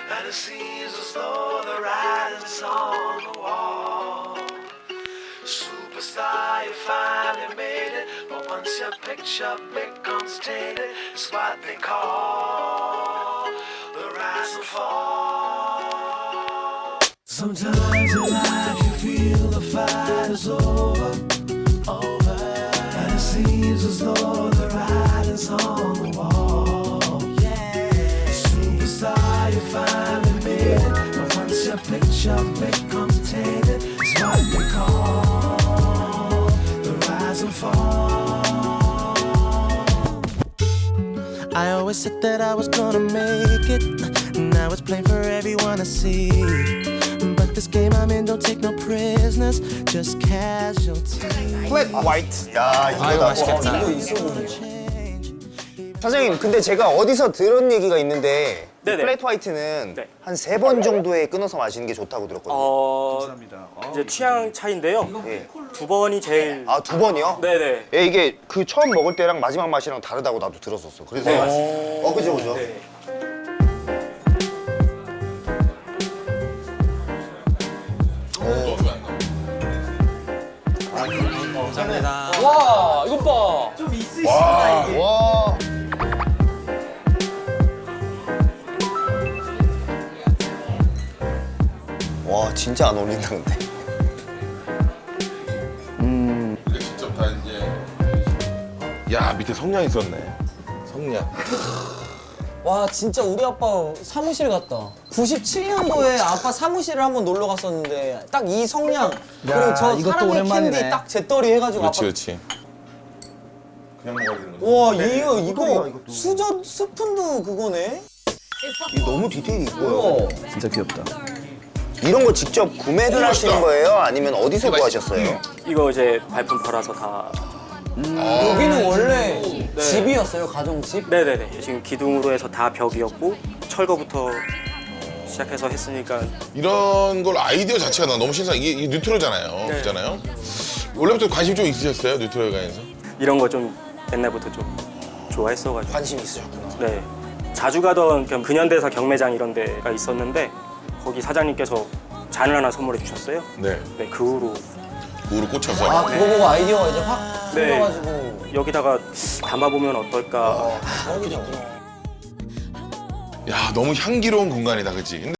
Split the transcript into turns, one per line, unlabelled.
And it seems as though the writing's on the wall. Superstar, you finally made it, but once your picture becomes tainted, it's what they call the rise and fall. Sometimes in life you feel the fight is over, and it seems as though the writing's on the wall. Superstar, you finally made it, but once your picture becomes tainted, it's what they call the rise and fall. I always said that I was gonna make it. Now it's plain for everyone to see. But this game I'm in don't take no prisoners, just casualties.
플랫 화이트. 야, 이거다.
아유, 맛있겠다.
이거 있어 보이네. 사장님, 근데 제가 어디서 들은 얘기가 있는데
네네.
플랫 화이트는
네.
한 3번 정도에 끊어서 마시는 게 좋다고 들었거든요.
이제 취향 차이인데요.
예.
2번이 제일.
아, 2번이요?
네네.
예, 이게 그 처음 먹을 때랑 마지막 맛이랑 다르다고 나도 들었었어. 그래서
네.
그죠, 그죠.
네.
감사합니다.
와, 이것 봐.
와. 와, 진짜 안 어울린다 근데.
이게 직접 다 이제. 야, 밑에 성냥 있었네. 성냥.
와, 진짜 우리 아빠 사무실 같다. 97년도에 아빠 사무실을 한번 놀러 갔었는데 딱 이 성냥 그리고 저
이것도
사랑의
오랜만이네.
캔디 딱 제떨이 해가지고
그렇지,
아빠.
그렇지. 그냥 먹어야 되는 거지.
와,
소리야,
이거
이것도.
수저 스푼도 그거네.
이게 너무 디테일이 있고요.
진짜 귀엽다.
이런 거 직접 구매를 하시는 거예요? 아니면 어디서 구하셨어요?
이거 이제 발품 팔아서 다.
여기는 원래 집이었어요, 가정집.
네네네. 지금 기둥으로 해서 다 벽이었고 철거부터 시작해서 했으니까.
이런 걸 아이디어 자체가 나 너무 신선. 이게 뉴트럴잖아요.
네.
그잖아요. 원래부터 관심 좀 있으셨어요? 뉴트럴에 관해서?
이런 거 좀 옛날부터 좀 좋아했어가지고.
관심이 있으셨구나.
네. 자주 가던 그냥 근현대사 경매장 이런 데가 있었는데 거기 사장님께서 잔을 하나 선물해 주셨어요.
네.
네, 그 후로
우로 꽂혀서.
아, 그거 보고 아이디어가 이제 확
네.
생겨가지고.
여기다가 담아보면 어떨까.
저기죠.
야, 너무 향기로운 공간이다, 그치? 근데